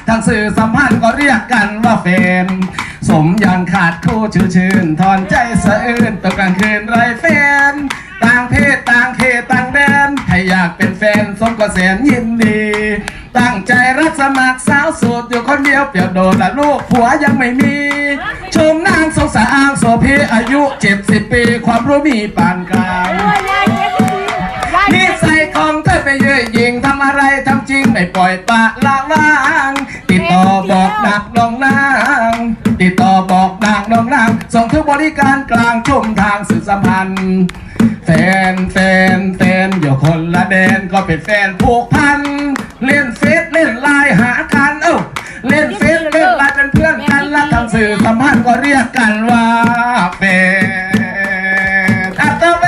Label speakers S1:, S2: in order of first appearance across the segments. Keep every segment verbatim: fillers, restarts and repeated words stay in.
S1: ทางสื่อสัมพันธ์ก็เรียกกันว่าแฟนสมยังขาดคู่ชื่อชื่นถอนใจสะอื้นตกกลางคืนไรแฟนต่างเพศต่างเขตต่างแดนให้อยากเป็นแฟนสมก็แสนยินดีตั้งใจรับสมัครสาวโสดอยู่คนเดียวเปลี่ยวโดนละลูกผัวยังไม่มีชมนางสงสารโสภีอายุเจ็ดสิบปีความรู้มีปานกลางนิสัยของเธอไปเย่อหยิ่งทำอะไรทำจริงไม่ปล่อยปละละวางติดต่อบอกดักน้องนางติดต่อบอกดักน้องนางส่งถึงบริการกลางชมทางสื่อสัมพันธ์แฟนแฟนแฟนอยู่คนละแดนก็เป็นแฟนผูกพันเล่นเฟซเล่นไลน์หากันเอ้าเล่นเฟซเล่นไลน์เป็นเพื่อนกันและทางสื่อสัมพันธ์ก็เรียกกันว่าแฟนอัตเว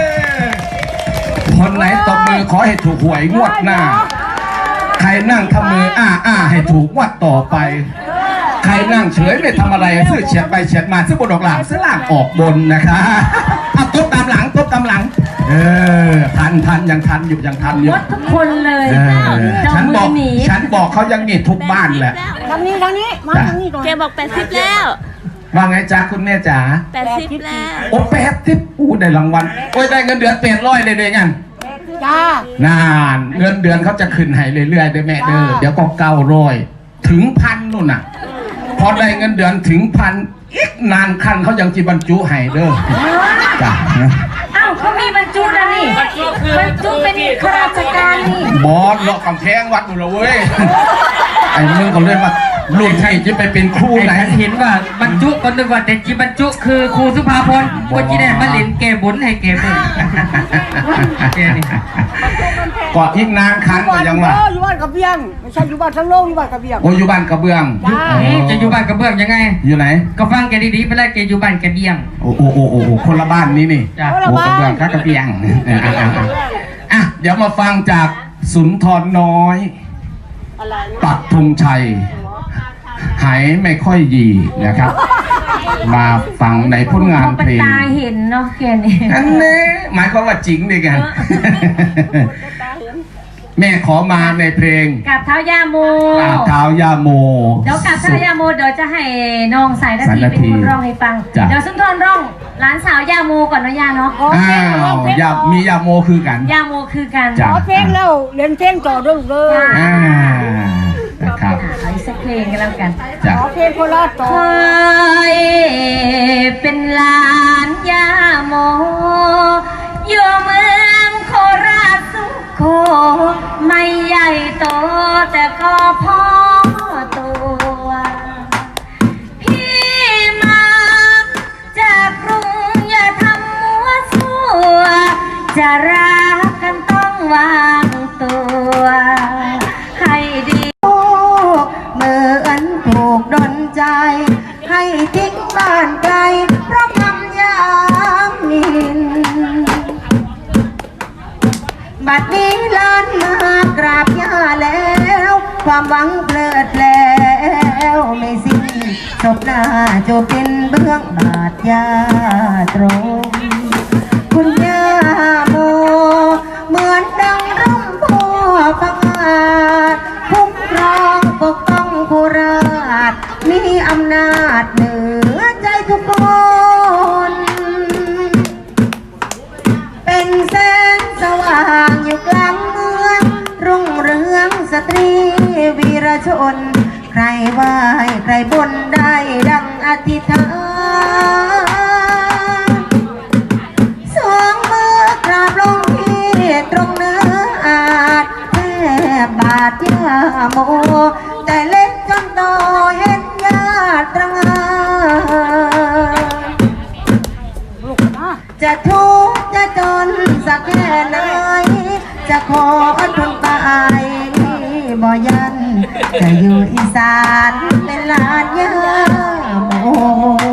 S1: คนไหนตบมือขอให้ถูกหวยงวดหน้าใครนั่งทำมืออ้าอ้าให้ถูกงวดต่อไปใครนั่งเฉยไม่ทำอะไรซื้อเฉียดไปเฉียดมาซื้อบนออกหลังซื้อล่างออกบนนะคะเอาตบตามหลังตบตามหลังเออทันทันยังทันอยู่ยังทันอยู่
S2: หมดทุกคนเลย
S1: ฉันบอกฉันบอกเขายังนี่ทุกบ้านแหละ
S3: ทางนี้ทางนี้มาทางนี้ก่อน
S4: แกบอกแปดสิบแล้ว
S1: ว่าไงจ๊ะคุณแม่จ๋า
S4: แปดสิบแล้ว
S1: โอ้แปดสิบอู้ได้รางวัลโอ้ยได้เงินเดือนแปดร้อยเลยเลยงั้น
S3: จ้าน
S1: านเงินเดือนเขาจะขึ้นให้เรื่อยๆด้วยแม่เด้อเดี๋ยวก็เก้าร้อยถึงพันนู่นน่ะพอได้เงินเดือนถึงพันอีกนานคันเขายังจีบรรจุให้เด้อจ้ะ
S2: อ้าวเขามีบรรจุแล้วนี่บรรจุเป็นข้าราชการนี่
S1: บอสเลาะกำแพงวัดหมดเลยเว้ยไอ้มึงก็เลยมารุ่นที่จะไปเป็นครูไหน
S5: เห็นว่าบรรจุคนนึกว่าแต่จีบรรจุคือครูสุภาพรก็จีได้มาเล่นเกมบุญให้เกมบุญ
S1: ก็อีกนานคันก็ยังว่า
S3: อยู่บ้านกระเบียงไม่ใช่อยู่บ้านทั้งโลกอยู่บ้านกระเบียง
S1: โอ้อยู่บ้านกระเบื้อง
S5: จะอยู่บ้านกระเบื้องยังไง
S1: อยู่ไหน
S5: ก็ฟังแกดีๆไปแล้วแกอยู่บ้านกระเบียง
S1: โอ้โอ้โอ้โอ้คนละบ้านนี้นี่โอ้กระเบื้องกระเบียงอ่ะเดี๋ยวมาฟังจากสุนทรน้อยปักธงชัยหายไม่ค่อยยีนะครับมาฟังในผลงานเพลง
S2: ตาเห็นเนาะแกนี่
S1: อันนี้หมายความว่าจริงดิกันแม่ขอมาในเพลง
S2: กับเท้ายาโม
S1: กับเท้ายาโม
S2: เดี๋ยวกับเท้ายาโมเดี๋ยวจะให้น้องสายนาทีเป็นคนร้องให้ฟังเดี๋ยวสุนทรร้องหลานสาวยาโมก่อนนะยาเนาะ
S1: อ้าวยามียาโมคือกัน
S2: ยาโมคือกัน
S3: ขอเพลงแล้วเรียนเพลงต่อด้วยเลย
S1: อ่านะครับ
S2: เอาอีกสักเพลงกันแล้วกัน
S3: ขอเพลงโคราชต่อ
S2: เคยเป็นหลานยาโมอยู่เมืองโคราชสุโขไม่ใหญ่โตแต่ก็พอตัวพี่มาจากกรุงอย่าทำมัวซัวจะรักกันต้องวางตัวให้ดีเหมือนถูกดลใจให้ทิ้งบ้านไกลเพราะคำยามนินบัดนี้ล้านมากราบย่าแล้วความหวังเพลิดแล้วไม่สิ้นศพหน้าจะเป็นเบื้องบาดยาตรงคุณย่าโมเหมือนดังร่มโพพังอาจคุ้มครองปกป้องผู้ราชมีอำนาจเหนือใจทุกคนเป็นแสงสว่างอยู่กลางเมืองรุ่งเรืองสตรีวีรชนใครไหว้ใครบนได้ดังอธิษฐานสองมือกราบลงที่ตรงเนื้ออาจแทบบาดยาโมแต่เล็กจนโตเห็นญาติตรงจะทุกข์จะจนสักแค่ไหนจะขอทนไปบ่ยันจะอยู่อีสานเป็นลานยาโม